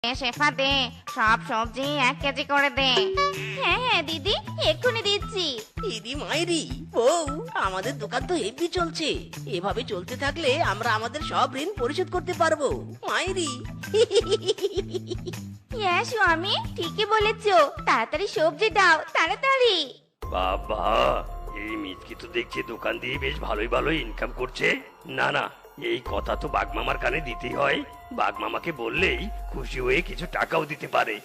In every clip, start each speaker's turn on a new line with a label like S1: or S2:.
S1: শেফা দে, সব সবজি 1 কেজি করে দে। হ্যাঁ হ্যাঁ দিদি, এক্ষুনি দিচ্ছি।
S2: ইদি মাইরি বউ, আমাদের দোকান তো হেভি চলছে। এভাবে চলতে থাকলে আমরা আমাদের সব ঋণ পরিশোধ করতে পারবো মাইরি।
S1: হ্যাঁ স্বামী, ঠিকই বলেছো। তাড়াতাড়ি সবজি দাও, তাড়াতাড়ি।
S3: বাবা, এই মিচকি তো দেখছি দোকান দিয়ে বেশ ভালোই ভালোই ইনকাম করছে। না না, এই কথা তো বাগমামার কানে দিতেই হয়। বাগমামাকে বললেই খুশি হয়ে কিছু টাকাও দিতে পারে।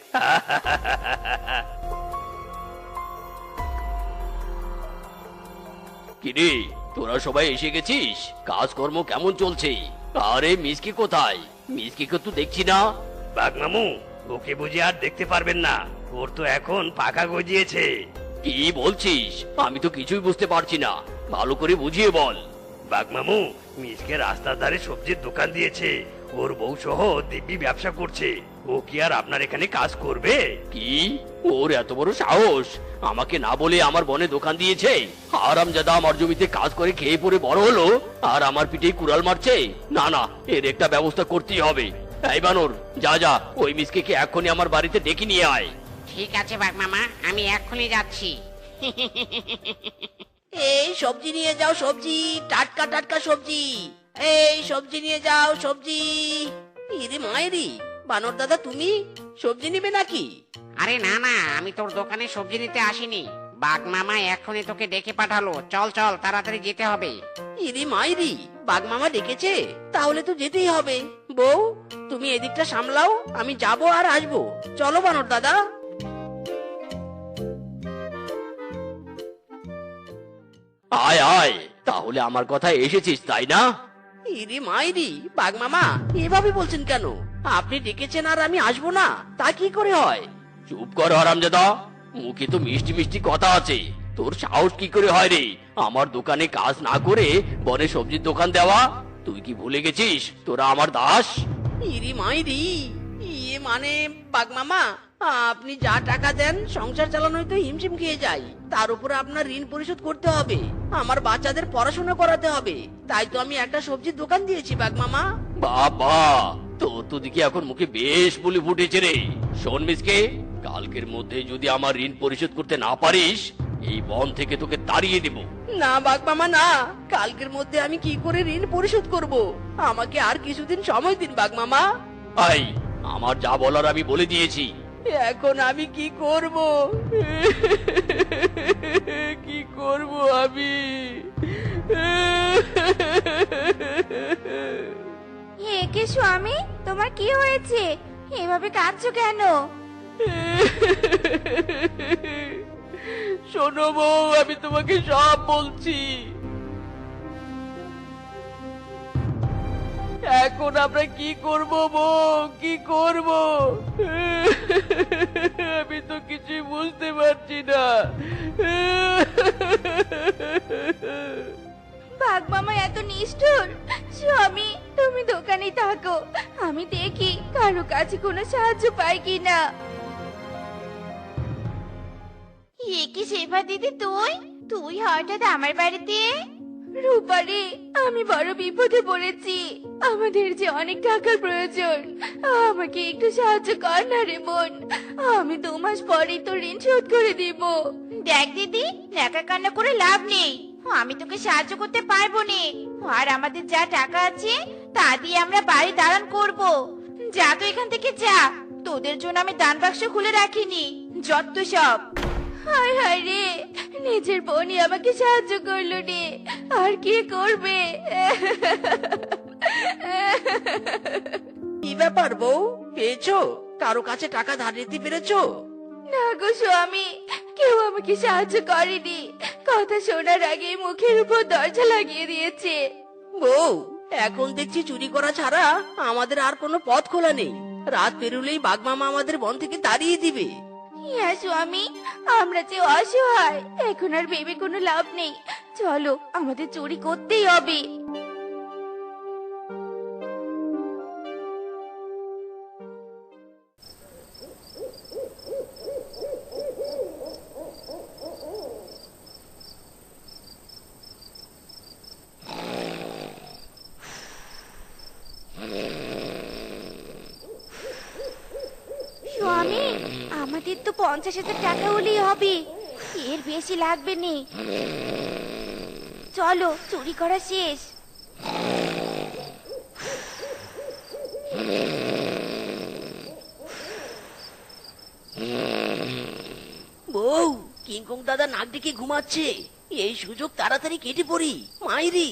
S4: কিরে, তোরা সবাই এসে গেছিস? কাজকর্ম কেমন চলছে? আরে মিসকি কোথায়? মিসকিকে তো দেখছি না।
S3: বাগমামু, ওকে বুঝে আর দেখতে পারবেন না। ওর তো এখন পাকা গজিয়েছে।
S4: কি বলছিস? আমি তো কিছুই বুঝতে পারছি না, ভালো করে বুঝিয়ে বল।
S3: বাগমামু মিসকে রাস্তার ধারে সবজির দোকান দিয়েছে। ওর বউ সহ দিব্যি ব্যবসা করছে। ও কি আর আপনার এখানে কাজ করবে?
S4: কি? ওর এত বড় সাহস! আমাকে না বলে আমার বনে দোকান দিয়েছে। হারামজাদা আমার জমিতে কাজ করে খেয়ে পড়ে বড় হলো, আর আমার পিঠে কুড়াল মারছে। না না, এর একটা ব্যবস্থা করতেই হবে। এই বানর, যা যা, ওই মিসকে এক্ষুনি আমার বাড়িতে ডেকে নিয়ে আয়।
S5: ঠিক আছে বাগমামা, আমি এক্ষুনি যাচ্ছি।
S2: এই সবজি নিয়ে যাও, সবজি, টাটকা টাটকা সবজি। এই সবজি নিয়ে যাও, সবজি। ইরে মায়েরি, বানর দাদা তুমি সবজি নিবে নাকি?
S5: আরে না না, আমি তোর দোকানে সবজি নিতে আসিনি। বাগমামা এক্ষুনি তোকে ডেকে পাঠালো। চল চল, তাড়াতাড়ি যেতে হবে।
S2: ইরে মায়েরি, বাঘ মামা ডেকেছে, তাহলে তো যেতেই হবে। বউ, তুমি এদিকটা সামলাও, আমি যাবো আর আসবো। চলো বানর দাদা।
S4: আয় আয়, তাহলে আমার কথা এসেছিস তাই না?
S2: ইরে মাইরি, বাঘ মামা এভাবে বলছেন কেন? আপনি ডেকেছেন আর আমি আসবো না, তা কি করে হয়?
S4: চুপ কর হারামজাদা, মুখে তো মিষ্টি মিষ্টি কথা আছে। তোর সাহস কি করে হয় রে আমার দোকানে কাজ না করে বনে সবজির দোকান দেওয়া? তুই কি ভুলে গেছিস তোরা আমার দাস?
S2: ইরি মাইরি, ইয়ে মানে বাঘ মামা, আপনি যা টাকা দেন সংসার চালানোই তো হিমশিম খেয়ে যায়। তার উপরে আপনার ঋণ পরিশোধ করতে হবে, আমার বাচ্চাদের পড়াশোনা করাতে হবে। তাই তো আমি একটা সবজির দোকান দিয়েছি বাঘ মামা।
S4: বাবা, তোর তো দেখি এখন মুখে বেশ বুলি ফুটেছে রে। শোন মিসকে, কালকের মধ্যে যদি আমার ঋণ পরিশোধ করতে না পারিস, এই বন থেকে তোকে তাড়িয়ে দেব।
S2: না বাঘ মামা না, কালকের মধ্যে আমি কি করে ঋণ পরিশোধ করব? আমাকে আর কিছুদিন সময় দিন বাঘ মামা।
S4: আই, আমার যা বলার আমি বলে দিয়েছি।
S2: এখন আমি কি করব? কি করব আমি?
S1: হে কে স্বামী, তোমার কি হয়েছে? এভাবে কাঁদছো কেন?
S2: শোনো বউ, আমি তোমাকে সব বলছি। এখন আমরা কি করব বউ, কি করব? আমি তো কিছুই বুঝতে পারছি না।
S1: বাঘ মামা এত নিষ্ঠুর। স্বামী, তুমি দোকানে থাকো, আমি দেখি কারো কাছে কোনো সাহায্য পাই কিনা। এ কি শেফা দিদি, তুই তুই হঠাৎ আমার বাড়িতে? রূপারে, আমি বড় বিপদে পড়েছি। আমাদের যে অনেক টাকার প্রয়োজন, আমাকে একটু সাহায্য কর না রে বোন। আমি 2 মাস পরেই তো ঋণ শোধ করে দিব। দেখ দিদি, একা কান্না করে লাভ নেই। আমি তোকে সাহায্য করতে পারবো না। আর আমাদের যা টাকা আছে তা দিয়ে আমরা বাড়ি দাঁড়ান করব। যা তো এখান থেকে যা, তোদের জন্য আমি দান বাক্স খুলে রাখিনি। যত সব। হায় হায় রে, নিজের বোনই আমাকে সাহায্য করলো রে, আর কি করবে?
S2: কি ব্যাপার বউ, পেয়েছো? কারো কাছে টাকা ধার নিতে পেরেছো?
S1: না গো স্বামী, কেউ আমাকে সাহায্য করেনি। কথা শোনার আগে মুখের উপর দরজা লাগিয়ে দিয়েছে।
S2: বউ, এখন দেখছি চুরি করা ছাড়া আমাদের আর কোনো পথ খোলা নেই। রাত পেরুলেই বাঘ মামা আমাদের বন থেকে তাড়িয়ে দিবে।
S1: হ্যাঁ স্বামী, আমরা যে অসহায়, এখন আর ভেবে কোনো লাভ নেই। চলো, আমাদের চুরি করতেই হবে। স্বামী, আমাদের তো 50,000 টাকা হলেই হবে, এর বেশি লাগবে নে। চলো, চুরি করা শেষ।
S2: বউ, কিংকং দাদা নাক ডেকে ঘুমাচ্ছে, এই সুযোগ তাড়াতাড়ি কেটে পড়ি। মাইরি,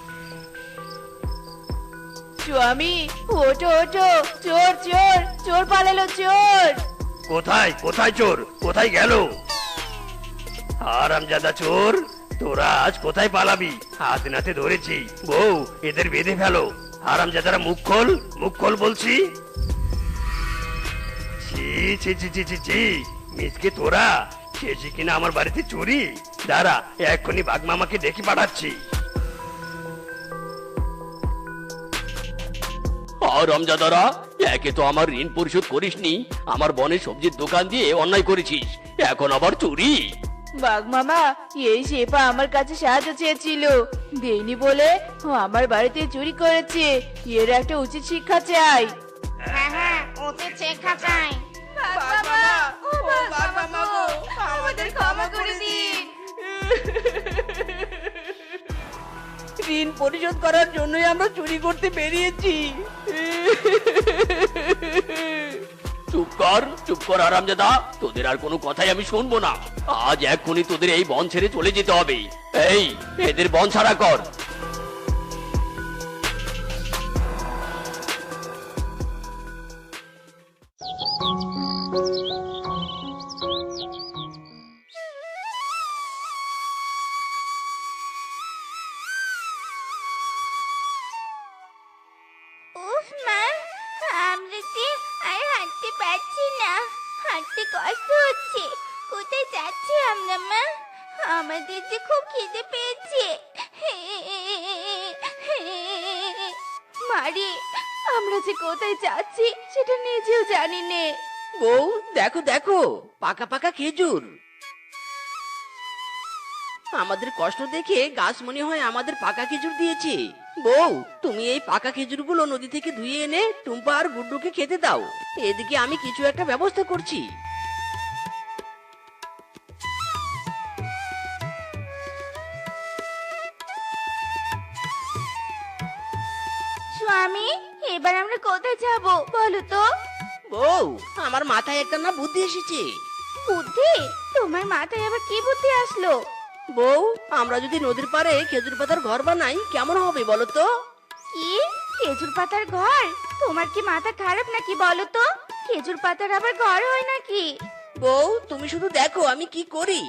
S1: স্বামী, ওঠো ওঠো, চোর চোর চোর পালালো, চোর।
S3: কোথায় কোথায় চোর, কোথায় গেল? হারামজাদা চোর, তোরা আজ কোথায় পালাবি? হাত নাতে ধরেছি। বউ, এদের বেঁধে ফেলো। হারামজাদারা মুখ খোল বলছি। ছি ছি ছি ছি ছি ছি, মিসকে তোরা শেষে কিনা আমার বাড়িতে চুরি। দাঁড়া, এক্ষুনি বাঘমামাকে ডেকে পাঠাচ্ছি।
S4: হারামজাদারা, একে তো আমার ঋণ পরিশোধ করিসনি, আমার বনের সবজির দোকান দিয়ে অন্যায় করেছিস, এখন আবার চুরি।
S1: বাঘ মামা, এই শেফা আমার কাছে সাহায্য চেয়েছিল, দেইনি বলে ও আমার বাড়িতে চুরি করেছে। এর একটা উচিত শিক্ষা চাই।
S5: হ্যাঁ হ্যাঁ, উচিত শিক্ষা চাই।
S1: আমাদের ক্ষমা করে দিন।
S2: ঋণ পরিশোধ করার জন্যই আমরা চুরি করতে বেরিয়েছি।
S4: চুপ কর হারামজাদা, তোদের আর কোনো কথাই আমি শুনবো না। আজ এক্ষুনি তোদের এই বন ছেড়ে চলে যেতে হবে। এই, এদের বন ছাড়া কর।
S1: উফ মা, আমরা যে আর হাঁটতে পারছি না, হাঁটতে কষ্ট হচ্ছে। কোথায় যাচ্ছি আমরা মা? আমাদের যে খুব খিদে পেয়েছে। মারি, আমরা যে কোথায় যাচ্ছি সেটা নিজেও জানি নে।
S2: বউ, দেখো দেখো, পাকা পাকা খেজুর। আমাদের কষ্ট দেখে গাছ মনে হয় আমাদের পাকা খেজুর দিয়েছে। বউ, তুমি এই পাকা খেজুরগুলো নদী থেকে ধুয়ে এনে টুম্পা আর গুড্ডুকে খেতে দাও। এদিকে আমি কিছু একটা ব্যবস্থা করছি।
S1: স্বামী, এবার আমরা কোথায় যাব বলো তো?
S2: বউ, আমার মাথায় একটা না বুদ্ধি এসেছে।
S1: বুদ্ধি? তোমার মাথায় আবার কি বুদ্ধি আসলো?
S2: বউ, আমরা যদি নদীর পাড়ে খেজুর পাতার ঘর বানাই কেমন হবে বলো তো?
S1: কি? খেজুর পাতার ঘর? তোমার কি মাথা খারাপ নাকি বলো তো? খেজুর পাতার আবার ঘর হয় নাকি?
S2: বউ, তুমি শুধু দেখো আমি কি করি।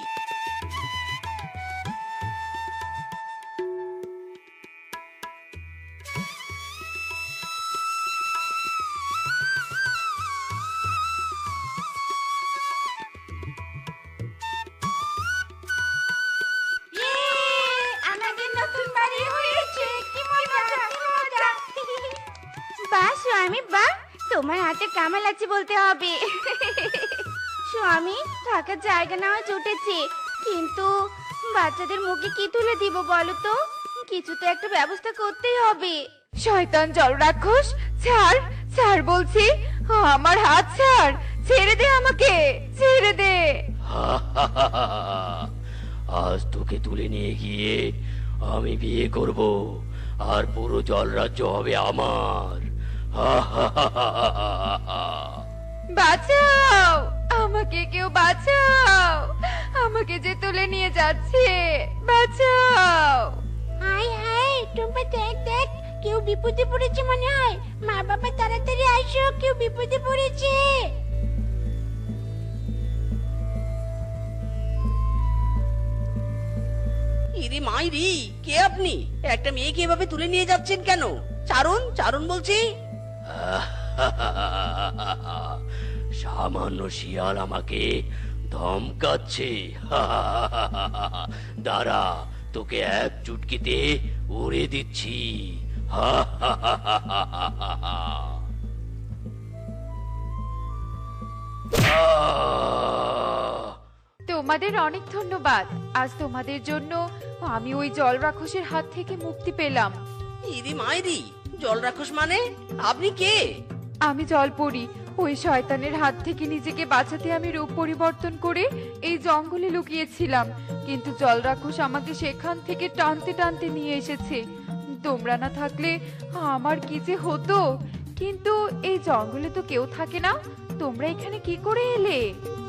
S1: আমাদের নতুন বাড়ি হয়েছে, কি মজা কি মজা। বাহ স্বামী বাহ, তোমার হাতে কামাল আছে বলতে হবে। স্বামী, থাকার জায়গা নেওয়া জুটেছে, কিন্তু বাচ্চাদের মুখে কি তুলে দিব বলো তো? কিছু তো একটা ব্যবস্থা করতেই হবে। শয়তান জল রাক্ষস, ছাড় ছাড় বলছি, আমার হাত ছাড়, ছেড়ে দে আমাকে, ছেড়ে দে।
S4: আজ তোকে তুলে নিয়ে গিয়ে আমি বিয়ে করব, আর পুরো জল রাজ্য হবে আমার।
S1: বাঁচাও, আমাকে কেউ বাঁচাও, আমাকে যে তুলে নিয়ে যাচ্ছে, বাঁচাও। হাই হাই, টুম্পা দেখ দেখ, কেউ বিপদে পড়েছে মনে হয়। মা বাবা তাড়াতাড়ি আসো, কেউ বিপদে পড়েছে।
S2: ইরি মাইরি, কে আপনি? একটা মেয়েকে এভাবে তুলে নিয়ে যাচ্ছেন কেন? চারণ চারণ বলছি।
S4: সামান্য শিয়াল আমাকে ধমকাচ্ছে। দাঁড়া, তোকে এক চুটকিতে উড়ে দিচ্ছি।
S6: তোমাদের অনেক ধন্যবাদ, আজ তোমাদের জন্য আমি ওই জল রাক্ষসের হাত থেকে মুক্তি পেলাম।
S2: ইরি মাইরি, জল রাক্ষস মানে? আপনি কে?
S6: আমি জলপরি, ওই শয়তানের হাত থেকে নিজেকে বাঁচাতে আমি রূপ পরিবর্তন করে এই জঙ্গলে লুকিয়েছিলাম, কিন্তু জল রাক্ষস আমাকে সেখান থেকে টানতে টানতে নিয়ে এসেছে। তোমরা না থাকলে আমার কি যে হতো। কিন্তু এই জঙ্গলে তো কেউ থাকে না, তোমরা এখানে কি করে এলে?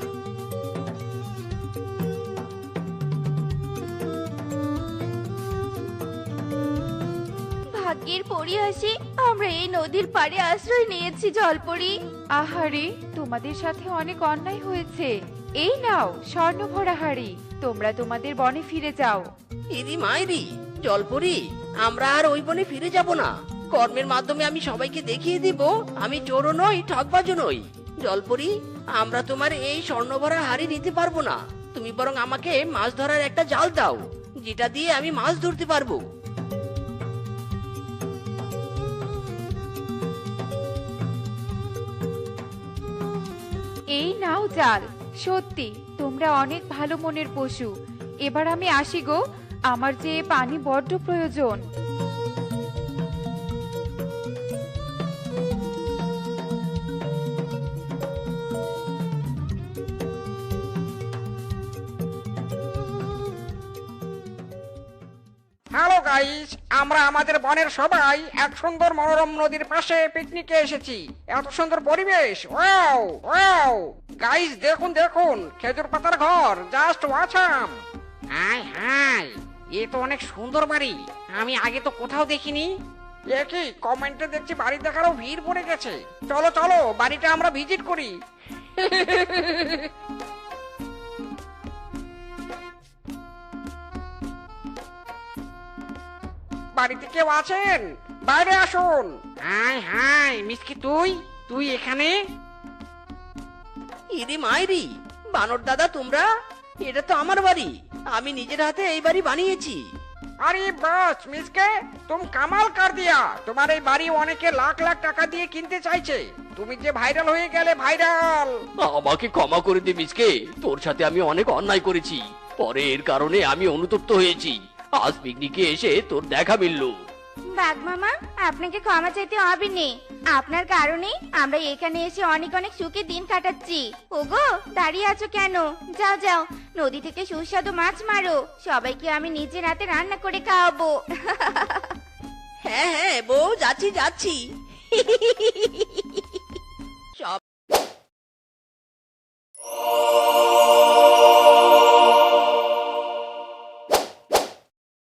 S1: ভাগ্যের পরিহাসে আমরা এই নদীর পাড়ে আশ্রয় নিয়েছি জলপরি।
S6: আহারে, তোমাদের সাথে অনেক অন্যায় হয়েছে। এই নাও স্বর্ণভরা হাড়ি, তোমরা তোমাদের বনে ফিরে যাও।
S2: ইরি মাইরি, জলপরি, আমরা আর ওই বনে ফিরে যাব না। কর্মের মাধ্যমে আমি সবাইকে দেখিয়ে দিব আমি চোরও নই, ঠকবাজও নই। জলপরি, আমরা তোমার এই স্বর্ণভরা হাড়ি নিতে পারবো না। তুমি বরং আমাকে মাছ ধরার একটা জাল দাও, যেটা দিয়ে আমি মাছ ধরতে পারবো।
S6: এই নাও জাল। সত্যি তোমরা অনেক ভালো মনের পশু। এবার আমি আসি গো, আমার যে পানি বড্ড প্রয়োজন।
S7: হ্যালো গাইস, আমরা আমাদের বনের সবাই এক সুন্দর মনোরম নদীর পাশে পিকনিকে এসেছি। এত সুন্দর পরিবেশ, ওয়াও ওয়াও! গাইস দেখুন দেখুন, খেজুর পাতার ঘর, জাস্ট ওয়াচাম।
S5: হাই হাই, এ তো অনেক সুন্দর বাড়ি, আমি আগে তো কোথাও দেখিনি।
S7: এ কি, কমেন্টে দেখছি বাড়ি দেখারও ভিড় পড়ে গেছে। চলো চলো, বাড়িটা আমরা ভিজিট করি। বাড়িতে কেউ আছেন? বাইরে আসুন।
S5: হাই হাই, মিসকি তুই তুই এখানে?
S2: ইরি মাইরি, বানর দাদা তোমরা? এটা তো আমার বাড়ি, আমি নিজের হাতে এই বাড়ি বানিয়েছি।
S7: আরে বাস মিসকে, তুম কামাল কর দিয়া। তোমার এই বাড়ি অনেকে লাখ লাখ টাকা দিয়ে কিনতে চাইছে। তুমি যে ভাইরাল হয়ে গেলে, ভাইরাল।
S4: আমাকে ক্ষমা করে দে মিসকে, তোর সাথে আমি অনেক অন্যায় করেছি। পরে এর কারণে আমি অনুতপ্ত হয়েছি। আজ পিকনিকে এসে তোর দেখা মিলল।
S1: বাঘ মামা, আপনাকে ক্ষমা চাইতে হবে নে। আপনার কারণে আমরা এখানে এসে অনেক অনেক সুখে দিন কাটাচ্ছি। ওগো, দাঁড়িয়ে আছো কেন? যাও যাও, নদী থেকে সুস্বাদু মাছ মারো, সবাইকে আমি নিজের হাতে রান্না করে খাওয়াবো।
S2: হ্যাঁ হ্যাঁ বউ, যাচ্ছি যাচ্ছি।